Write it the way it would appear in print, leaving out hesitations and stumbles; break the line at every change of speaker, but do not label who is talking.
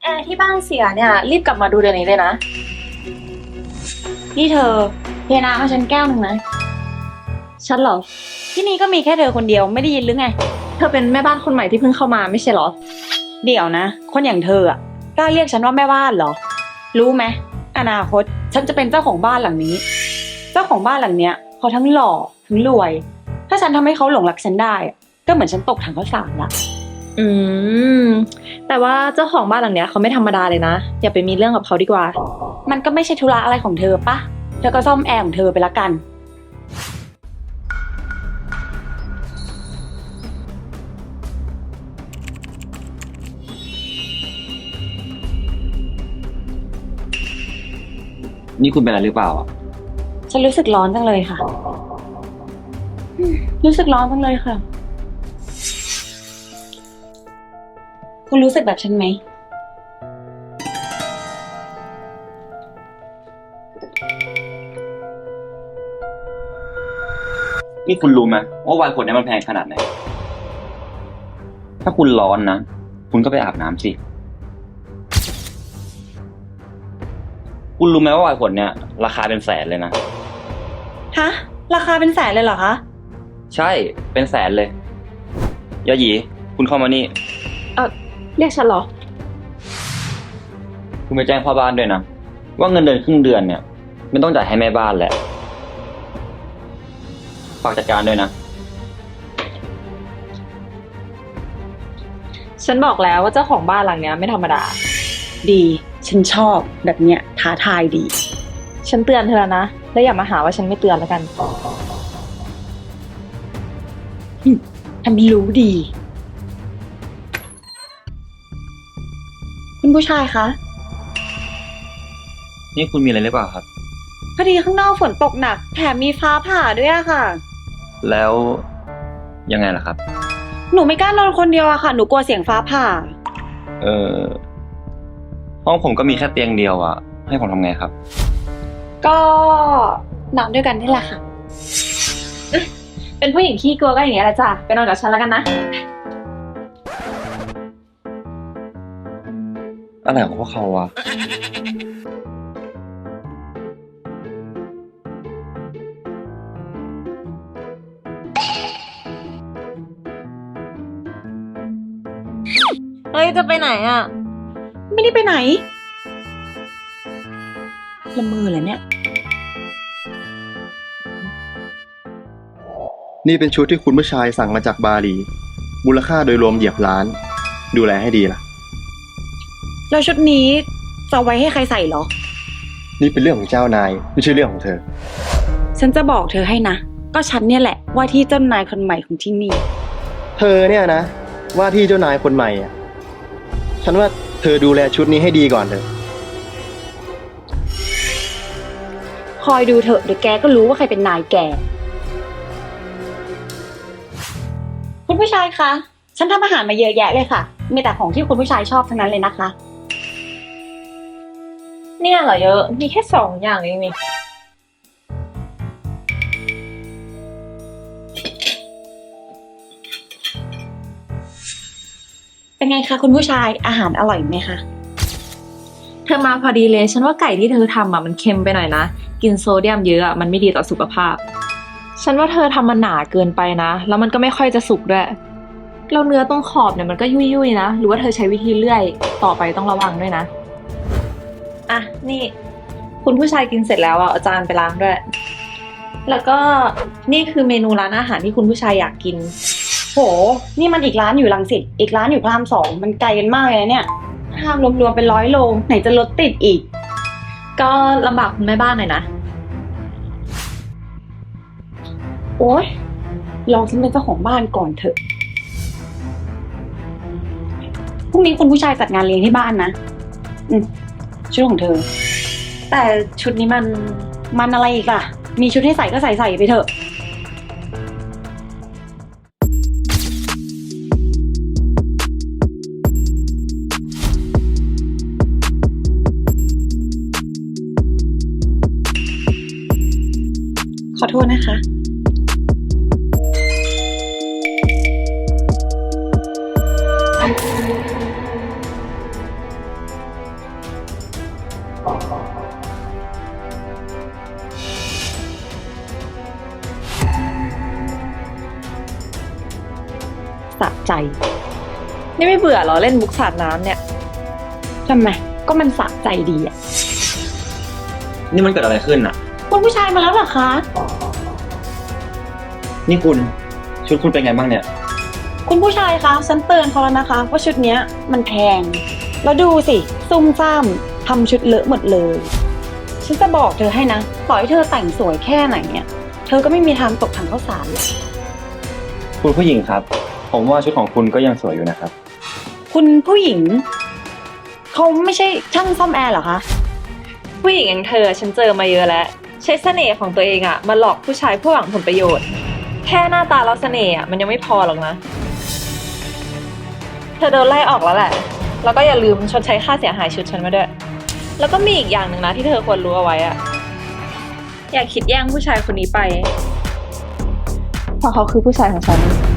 แอร์ที่บ้านเสียเนี่ยรีบกลับมาดูเดี๋ยวนี้เลยนะ
นี่เธอเทน้ำให้ฉันแก้วหนึ่งนะ
ฉันเหรอ
ที่นี่ก็มีแค่เธอคนเดียวไม่ได้ยินหรือไง
เธอเป็นแม่บ้านคนใหม่ที่เพิ่งเข้ามาไม่ใช่เหรอ
เดี๋ยวนะคนอย่างเธออ่ะกล้าเรียกฉันว่าแม่บ้านเหรอรู้ไหมอนาคตฉันจะเป็นเจ้าของบ้านหลังนี้เจ้าของบ้านหลังเนี้ยเขาทั้งหล่อทั้งรวยถ้าฉันทำให้เขาหลงรักฉันได้ก็เหมือนฉันตกถังข้าวสารละ
อืมแต่ว่าเจ้าของบ้านหลังเนี้ยเขาไม่ธรรมดาเลยนะอย่าไปมีเรื่องกับเขาดีกว่า
มันก็ไม่ใช่ธุระอะไรของเธอปะเธอก็ซ่อมแอร์ของเธอไปละกัน
นี่คุณเป็นอะไรหรือเปล่าอ่ะ
ฉันรู้สึกร้อนจังเลยค่ะรู้สึกร้อนจังเลยค่ะคุณรู้สึกแบบฉันไหม
นี่คุณรู้ไหมว่าไวน์ขวดนี้มันแพงขนาดไหนถ้าคุณร้อนนะคุณก็ไปอาบน้ำสิคุณรู้ไหมว่าไวน์ขวดเนี้ยราคาเป็นแสนเลยนะ
ฮะราคาเป็นแสนเลยเหรอคะ
ใช่เป็นแสนเลยยาหยีคุณเข้ามานี่
เรียกฉันเหรอ
คุณไปแจ้งพ่อบ้านด้วยนะว่าเงินเดือนครึ่งเดือนเนี่ยไม่ต้องจ่ายให้แม่บ้านแหละฝากจัดการด้วยนะ
ฉันบอกแล้วว่าเจ้าของบ้านหลังเนี้ยไม่ธรรมดา
ดีฉันชอบแบบเนี้ยท้าทายดี
ฉันเตือนเธอนะแล้วอย่ามาหาว่าฉันไม่เตือนแล้วกัน
ทำไม่รู้ดีคุณผู้ชายคะ
นี่คุณมีอะไรหรือเปล่าครับ
พอดีข้างนอกฝนตกหนักแถมมีฟ้าผ่าด้วยอะค่ะ
แล้วยังไงล่ะครับ
หนูไม่กล้านอนคนเดียวอะค่ะหนูกลัวเสียงฟ้าผ่า
เออห้องผมก็มีแค่เตียงเดียวอะให้ผมทำไงครับ
ก็นอนด้วยกันนี่แหละค่ะ
เป็นผู้หญิงขี้กลัวก็อย่างเงี้ยแหละจ้ะไปนอนกับฉันแล้วกันนะ
อะไรของพวกเขาวะ
เฮ้ยจะไปไหนอ่ะ
ไม่ได้ไปไหนละเมอเหรอเนี่ย
นี่เป็นชุดที่คุณผู้ชายสั่งมาจากบาหลีมูลค่าโดยรวมเหยียบล้านดูแลให้ดีล่ะ
แล้วชุดนี้จะไว้ให้ใครใส่เหรอ
นี่เป็นเรื่องของเจ้านายไม่ใช่เรื่องของเธอ
ฉันจะบอกเธอให้นะก็ฉันเนี่ยแหละว่าที่เจ้านายคนใหม่ของที่นี่
เธอเนี่ยนะว่าที่เจ้านายคนใหม่อ่ะฉันว่าเธอดูแลชุดนี้ให้ดีก่อนเถอะ
คอยดูเถอะเดี๋ยวแกก็รู้ว่าใครเป็นนายแกคุณผู้ชายคะฉันทำอาหารมาเยอะแยะเลยค่ะมีแต่ของที่คุณผู้ชายชอบทั้งนั้นเลยนะคะ
เนี่ยเหรอเยอะมีแค่2 อย่างเองนี่
เป็นไงคะคุณผู้ชายอาหารอร่อยไหมคะ
เธอมาพอดีเลยฉันว่าไก่ที่เธอทำอ่ะมันเค็มไปหน่อยนะกินโซเดียมเยอะอ่ะมันไม่ดีต่อสุขภาพฉันว่าเธอทำมันหนาเกินไปนะแล้วมันก็ไม่ค่อยจะสุกด้วยแล้วเนื้อตรงขอบเนี่ยมันก็ยุ่ยๆนะหรือว่าเธอใช้วิธีเลื่อยต่อไปต้องระวังด้วยนะอ่ะนี่คุณผู้ชายกินเสร็จแล้วอ่ะเอาจานไปล้างด้วยแล้วก็นี่คือเมนูร้านอาหารที่คุณผู้ชายอยากกิน
โหนี่มันอีกร้านอยู่รังสิตอีกร้านอยู่พระราม2มันไกลกันมากเลยนะเนี่ยห้างรวมๆเป็น100 โลไหนจะรถติดอีก
ก็ลำบากคุณแม่บ้านหน่อยนะ
โอ๊ยลองฉันเป็นเจ้าของบ้านก่อนเถอะพรุ่งนี้คุณผู้ชายจัดงานเลี้ยงที่บ้านนะชุดของเธอ
แต่ชุดนี้
มันอะไรอีกล่ะมีชุดให้ใส่ก็ใส่ไปเถอะขอโทษนะคะสะใจ
นี่ไม่เบื่อเหรอเล่นมุกสาดน้ำเนี่ย
ทำไม ก็มันสะใจดีอะ
นี่มันเกิดอะไรขึ้นอ่ะ
คุณผู้ชายมาแล้วเหรอคะ
นี่คุณชุดคุณเป็นไงบ้างเนี่ย
คุณผู้ชายคะฉันเตือนเขาแล้วนะคะ ว่าชุดเนี้ยมันแพง แล้วดูสิ ซุ่มซ่ามทำชุดเลอะหมดเลย ฉันจะบอกเธอให้นะต่อให้เธอแต่งสวยแค่ไหนเนี่ย เธอก็ไม่มีทางตกถังข้าวสารหรอก
คุณผู้หญิงครับ ผมว่าชุดของคุณก็ยังสวยอยู่นะครับ
คุณผู้หญิง เขาไม่ใช่ช่างซ่อมแอร์เหรอคะ
ผู้หญิงอย่างเธอฉันเจอมาเยอะแล้ว ใช้เสน่ห์ของตัวเองอะมาหลอกผู้ชายเพื่อหวังผลประโยชน์ แค่หน้าตาแล้วเสน่ห์อะมันยังไม่พอหรอกนะ เธอโดนไล่ออกแล้วแหละ แล้วก็อย่าลืมชดใช้ค่าเสียหายชุดฉันมาด้วย แล้วก็มีอีกอย่างหนึ่งนะที่เธอควรรู้เอาไว้อะอย่าคิดแย่งผู้ชายคนนี้ไป เพราะเขาคือผู้ชายของฉัน